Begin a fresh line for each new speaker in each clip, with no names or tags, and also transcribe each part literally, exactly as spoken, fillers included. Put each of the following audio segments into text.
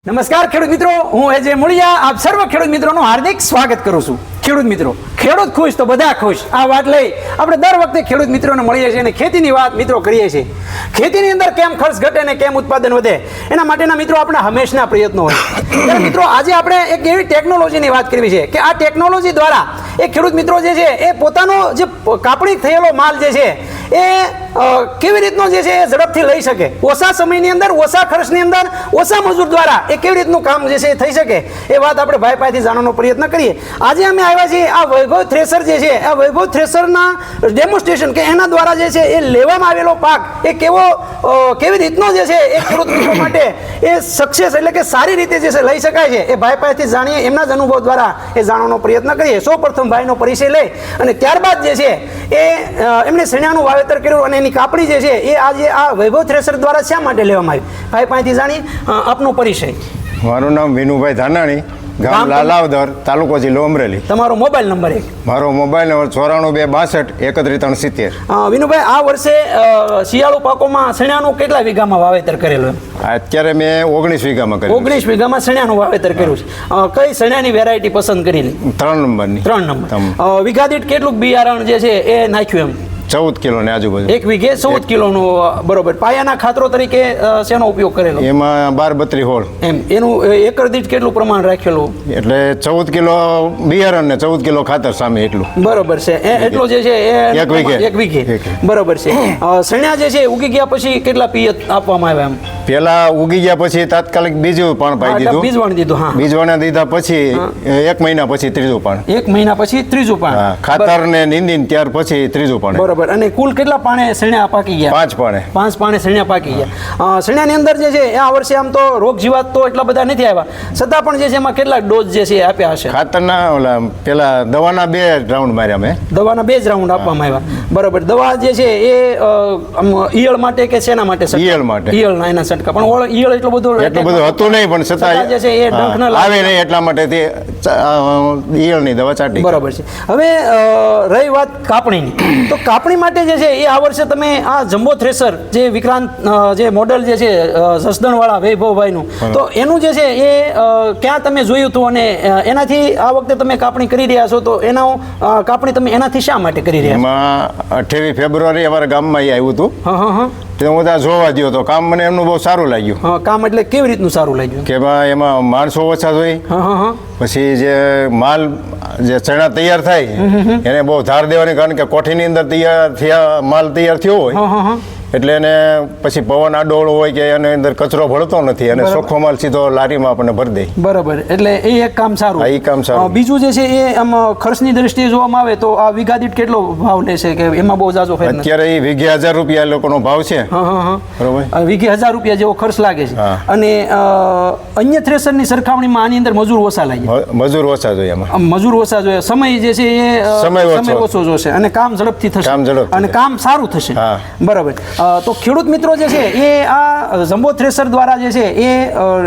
નમસ્કાર ખેડૂત મિત્રો, હું એજે મુળિયા આપ સર્વ ખેડૂત મિત્રોનું હાર્દિક સ્વાગત કરું છું. ખેડૂત મિત્રો, ખેડૂત ખુશ તો બધા ખુશ. આ વાત લઈ આપણે દર વખતે ખેડૂત મિત્રોને મળીએ છીએ અને ખેતીની વાત મિત્રો કરીએ છીએ. ખેતીની અંદર કેમ ખર્ચ ઘટે અને કેમ ઉત્પાદન વધે એના માટેના મિત્રો આપણા હંમેશના પ્રયત્નો હોય. ત્યારે મિત્રો આજે આપણે એક એવી ટેકનોલોજીની વાત કરવી છે કે આ ટેકનોલોજી દ્વારા એ ખેડૂત મિત્રો જે છે એ પોતાનો જે કાપણી થયેલો માલ જે છે એ કેવી રીતનો જે છે એ ઝડપથી લઈ શકે, ઓછા સમયની અંદર ઓછા ખર્ચની અંદર ઓછા મજૂર દ્વારા એ કેવી રીતનું કામ જે છે એ થઈ શકે એ વાત આપણે ભાઈ પાસેથી જાણવાનો પ્રયત્ન કરીએ. આજે અમે આવ્યા છીએ આ વૈભવ થ્રેસર જે છે આ વૈભવ થ્રેસરના ડેમોન્સ્ટ્રેશન કે એના દ્વારા જે છે એ લેવામાં આવેલો પાક એ કેવો કેવી રીતનો જે છે એ ખેડૂત મિત્રો માટે એ સક્સેસ એટલે કે સારી રીતે જે છે લઈ શકાય છે એ ભાઈ પાસેથી જાણીએ, એમના જ અનુભવ દ્વારા એ જાણવાનો પ્રયત્ન કરીએ. સૌ પ્રથમ ભાઈનો પરિચય લઈ અને ત્યારબાદ જે છે એ એમણે શેણાનું વાવેતર કર્યું અને એની કાપણી જે છે એ આજે આ વૈભવ થ્રેસર દ્વારા શા માટે લેવામાં આવી ભાઈ પાસેથી જાણીએ. આપનો પરિચય?
મારું નામ વિનુભાઈ ધાનાણી, ગામ લાલાવદર, તાલુકો જિલ્લો અમરેલી.
તમારો મોબાઈલ નંબર? એક
મારો મોબાઈલ નંબર ચોરાણું બે બાસઠ એકત્રીસ ત્રણ સિત્તેર.
વિનુભાઈ, આ વર્ષે શિયાળુ પાકોમાં શેણાનું કેટલા વીઘામાં વાવેતર કરેલું?
અત્યારે મેં ઓગણીસ વીઘામાં કર્યું.
ઓગણીસ વીઘામાં શેણાનું વાવેતર કર્યું છે. કઈ શેણાની વેરાયટી પસંદ કરેલી?
ત્રણ નંબરની.
ત્રણ નંબર. વીઘા દીઠ કેટલું બિયારણ જે છે એ નાખ્યું? એમ
ચૌદ કિલો ને આજુબાજુ.
એક વીઘે ચૌદ કિલોનું. બરોબર. પાયાના ખાતરો તરીકે શેનો ઉપયોગ કરેલો?
એમાં બાર બત્રી હોળ.
એમ એનું એકર દીઠ કેટલું પ્રમાણ રાખેલું?
એટલે ચૌદ કિલો બિયારણ ને ચૌદ કિલો ખાતર સામે એટલું.
બરોબર છે. એટલો જે છે એ
એક વીઘે.
એક વીઘે. બરોબર છે. શેણા જે છે ઉગી ગયા પછી કેટલા પિયત આપવામાં આવ્યા? એમ
પેલા ઉગી ગયા પછી તાત્કાલિક બીજું પાણ પાઈ દીધું.
બીજવાણ દીધું. હા,
બીજવાણા દીધા પછી એક મહિના પછી ત્રીજું પાણ.
એક મહિના પછી ત્રીજું પાણ.
ખાતર ને નીંદીને ત્યાર પછી ત્રીજું પાણ.
બરોબર. અને કુલ કેટલા પાણે શેણા પાકી ગયા?
પાંચ પાણે.
પાંચ પાણે શેણા પાકી ગયા. શેણાની અંદર જે છે આ વર્ષે આમ તો રોગ જીવાત તો એટલા બધા નથી આવ્યા, છતાં પણ જે છે એમાં કેટલા ડોઝ જે છે આપ્યા હશે?
ખાતરના ઓલા પેલા દવાના બે રાઉન્ડ માર્યા મેં.
દવાના બે જ રાઉન્ડ આપવામાં આવ્યા. બરોબર. દવા જે છે એ ઈયળ માટે કે શેના માટે?
ઈયળ માટે.
ઈયળના એના છંટકા. પણ ઈયળ એટલું બધું
એટલું બધું હતું નહીં, પણ છતાં
જે છે એ ડંખ ન
આવે નહીં એટલા માટે તે ઈયળની દવા ચાટી.
બરોબર છે. હવે રહી વાત કાપણીની, તો કાપણી માટે જે છે એ આ વર્ષે તમે આ જમ્બો થ્રેસર જે વિક્રાંત જે મોડેલ જે છે જસદણ વાળા વૈભવભાઈનું, તો એનું જે છે એ ક્યાં તમે જોયું હતું અને એનાથી આ વખતે તમે કાપણી કરી રહ્યા છો, તો એના કાપણી તમે એનાથી શા માટે કરી રહ્યા?
એમાં અઠ્યાવીસ ફેબ્રુઆરી અમારા ગામમાં આવ્યું હતું.
હા હા હા.
તે હું ત્યાં જોવા ગયો તો કામ મને એમનું બહુ સારું લાગ્યું.
હા, કામ એટલે કેવી રીતનું સારું લાગ્યું?
કે એમાં માણસો ઓછા જોઈ.
હા હા હા.
પછી જે માલ જે ચણા તૈયાર થાય એને બહુ ધાર દેવાની, કારણ કે કોઠીની અંદર તૈયાર થયા માલ તૈયાર થયો હોય એટલે એને પછી પવન આડોળ હોય કે એની અંદર કચરો ભળતો નથી અને ચોખ્ખો માલ સીધો લારીમાં આપણને ભરી દે. બરાબર.
એટલે એ એક કામ સારું.
એ કામ સારું.
બીજું જે છે એ આમ ખર્ચની દ્રષ્ટિએ જોવામાં આવે તો આ વીઘા દીઠ કેટલો ભાવ લેશે કે એમાં બહુ જાજો ફેર?
અત્યારે એ વીઘે હજાર રૂપિયા લોકોનો ભાવ છે.
હા હા હા.
બરોબર.
વીઘે હજાર રૂપિયા જેવો ખર્ચ લાગે છે. અને અન્ય થ્રેસરની સરખામણીમાં આની અંદર મજૂર ઓછા લાગે.
મજૂર ઓછા જોઈએ એમાં.
મજૂર ઓછા જોઈએ. સમય જે છે એ સમય ઓછો જોશે અને કામ ઝડપથી થશે.
કામ ઝડપ
અને કામ સારું થશે. બરાબર. તો ખેડૂત મિત્રો જે છે એ આ જમ્બો થ્રેસર દ્વારા જે છે એ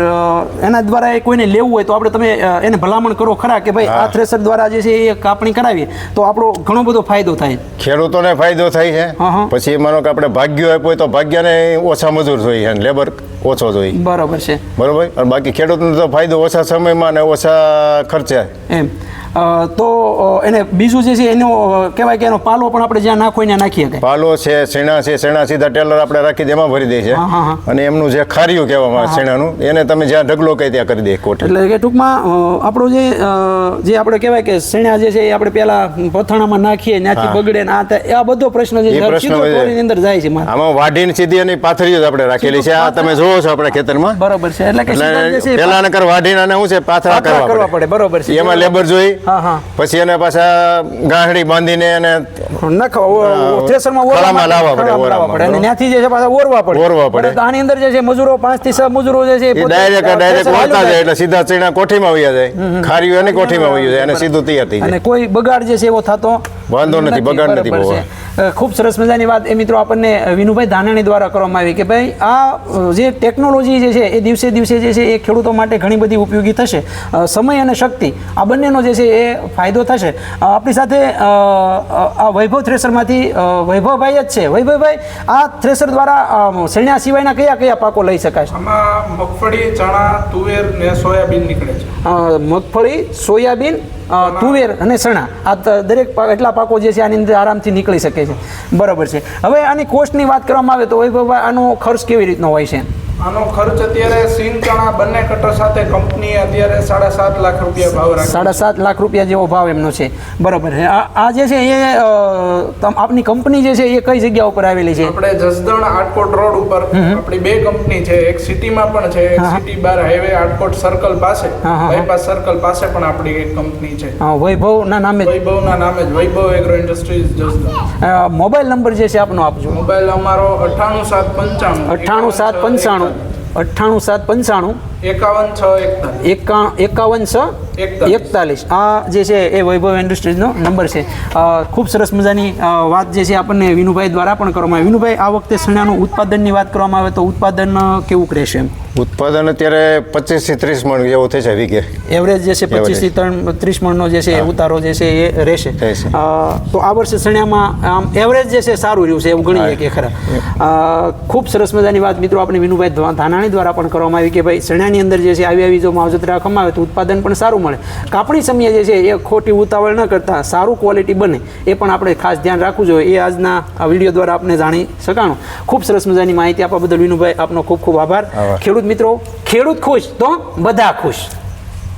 એના દ્વારા એ કોઈને લેવું હોય તો આપણે તમે એને ભલામણ કરો ખરા કે ભાઈ આ થ્રેસર દ્વારા જે છે એ કાપણી કરાવીએ તો આપણો ઘણો બધો ફાયદો થાય?
ખેડૂતોને ફાયદો થાય છે. પછી માનો કે આપણે ભાગ્યો આપ્યો તો ભાગ્યને ઓછા મજૂર જોઈએ અને લેબર ઓછો જોઈએ.
બરાબર છે.
બરોબર. અને બાકી ખેડૂતને તો ફાયદો ઓછા સમયમાં અને ઓછા ખર્ચે.
એમ તો એને બીજું જે છે એનો કહેવાય કે એનો પાલો પણ આપણે જ્યાં નાખો ત્યાં નાખી શકાય.
પાલો છે, શેણા છે, શેણા સીધા ટેલર આપણે રાખી દે એમાં ભરી દે છે. અને એમનું જે ખાર્યું કહેવામાં આવે શેણાનું એને તમે જ્યાં ઢગલો કહી ત્યાં કરી દે કોટ. એટલે
કે ટૂંકમાં આપણો જે જે આપણે કહેવાય કે શેણા જે છે એ આપણે પેલા પથાણામાં નાખીએ ત્યાંથી બગડે ને આ આ બધો પ્રશ્ન જે છે અંદર જાય છે.
આમાં વાઢીને સીધી એની પાથરીઓ આપણે રાખેલી છે. આ તમે જોવો છો આપણા ખેતરમાં.
બરોબર છે. એટલે કે
પેલા નકર વાઢીને અને શું છે પાથરા કરવા પડે.
બરોબર છે.
એમાં લેબર જોઈ પછી એને પાછા ગાંઠડી બાંધીને એને
થ્રેસરમાં લાવવા પડે અને ત્યાંથી જે છે પાછા ઓરવા પડે.
ઓરવા પડે.
આની અંદર જે છે મજૂરો પાંચ થી છ મજૂરો જે છે
ડાયરેક્ટ ડાયરેક્ટ વળતા જાય એટલે સીધા ચણા કોઠીમાં વહી જાય. ખારીઓ એની કોઠીમાં વહી જાય અને સીધું તૈયાર થઈ જાય.
અને કોઈ બગાડ જે છે એવો થતો
વાંધો નથી, બગાડ નથી
બરાબર
પૌવા.
છે. અ, ખૂબ સરસ મજાની વાત એ મિત્રો આપણને વિનુભાઈ ધાનાણી દ્વારા કરવામાં આવી કે ભાઈ આ અ, જે ટેકનોલોજી જે છે એ દિવસે દિવસે જે છે એ ખેડૂતો માટે ઘણી બધી ઉપયોગી થશે. અ, સમય અને શક્તિ આ બંનેનો જે છે એ ફાયદો થશે. અ, આપણી સાથે અ, અ, આ વૈભવ થ્રેસરમાંથી અ, વૈભવભાઈ જ છે. વૈભવભાઈ, આ થ્રેસર દ્વારા અ, શેરણા સિવાયના કયા કયા પાકો લઈ શકાય છે?
આમાં મગફળી, ચણા, તુવેર ને સોયાબીન નીકળે છે.
અ, મગફળી, સોયાબીન, અ, તુવેર અને ચણા આ ત- દરેક પા- એટલા પાકો જે છે આની અંદર આરામથી નીકળી શકે છે. બરાબર છે. હવે આની કોસ્ટની વાત કરવામાં આવે તો વૈભવભાઈ આનો ખર્ચ કેવી રીતનો હોય છે?
આનો ખર્ચ અત્યારે સિંગ ચણા બંને કટર સાથે કંપની અત્યારે સાડા સાત લાખ રૂપિયા ભાવ રાખે
સાડા સાત લાખ રૂપિયા જેવો ભાવ એમનો છે. બરાબર છે. આ આ જે છે એ અ, તમ- આપની કંપની જે છે એ કઈ જગ્યા ઉપર આવેલી છે?
આપણે જસદણ આટકોટ રોડ ઉપર આપણી બે કંપની છે. એક સિટીમાં પણ છે, એક સિટી બાર હાઈવે આટકોટ સર્કલ પાસે,
હા, હા.
બાયપાસ સર્કલ પાસે પણ આપણી એક કંપની છે.
અ, વૈભવના નામે જ.
વૈભવના નામે જ, વૈભવ એગ્રો ઇન્ડસ્ટ્રીઝ જસદણ.
અ, મોબાઈલ નંબર જે છે આપનો આપજો.
મોબાઈલ અમારો અઠ્ઠાણું સાત પંચાણું
અઠ્ઠાણું સાત પંચાણું અઠ્ઠાણું સાત પંચાણું
એકાવન છ એકતાલીસ
એકા એકાવન છ
એકતાલીસ.
એકતાલીસ આ જે છે એ વૈભવ ઇન્ડસ્ટ્રીઝનો નંબર છે. અ, ખૂબ સરસ મજાની અ, વાત જે છે આપણને વિનુભાઈ દ્વારા પણ કરવામાં આવી. વિનુભાઈ, આ વખતે ચણાનું ઉત્પાદનની વાત કરવામાં આવે તો ઉત્પાદન અ, કેવું રહેશે? એમ
ઉત્પાદન અત્યારે પચીસ થી ત્રીસ મણ જેવું થશે વીઘે.
એવરેજ જે છે પચીસ થી ત્રણ ત્રીસ મણનો જે છે એ ઉતારો જે છે એ રહેશે.
રહેશે.
અ, તો આ વર્ષે ચણામાં આમ એવરેજ જે છે સારું રહ્યું છે એવું ગણીએ કે ખરા. અ, ખૂબ સરસ મજાની વાત મિત્રો આપણે વિનુભાઈ ધા- ધાનાણી દ્વારા પણ કરવામાં આવી કે ભાઈ ચણાની અંદર જે છે આવી આવી જો માવજત રાખવામાં આવે તો ઉત્પાદન પણ સારું મળે. કાપણી સમયે જે છે એ ખોટી ઉતાવળ ન કરતા સારું ક્વોલિટી બને એ પણ આપણે ખાસ ધ્યાન રાખવું જોઈએ. એ આજના આ વિડીયો દ્વારા આપણે જાણી શકાણું. ખૂબ સરસ મજાની માહિતી આપવા બદલ વિનુભાઈ આપનો ખૂબ ખૂબ આભાર.
આભાર.
ખેડૂત મિત્રો, ખેડૂત ખુશ તો બધા ખુશ.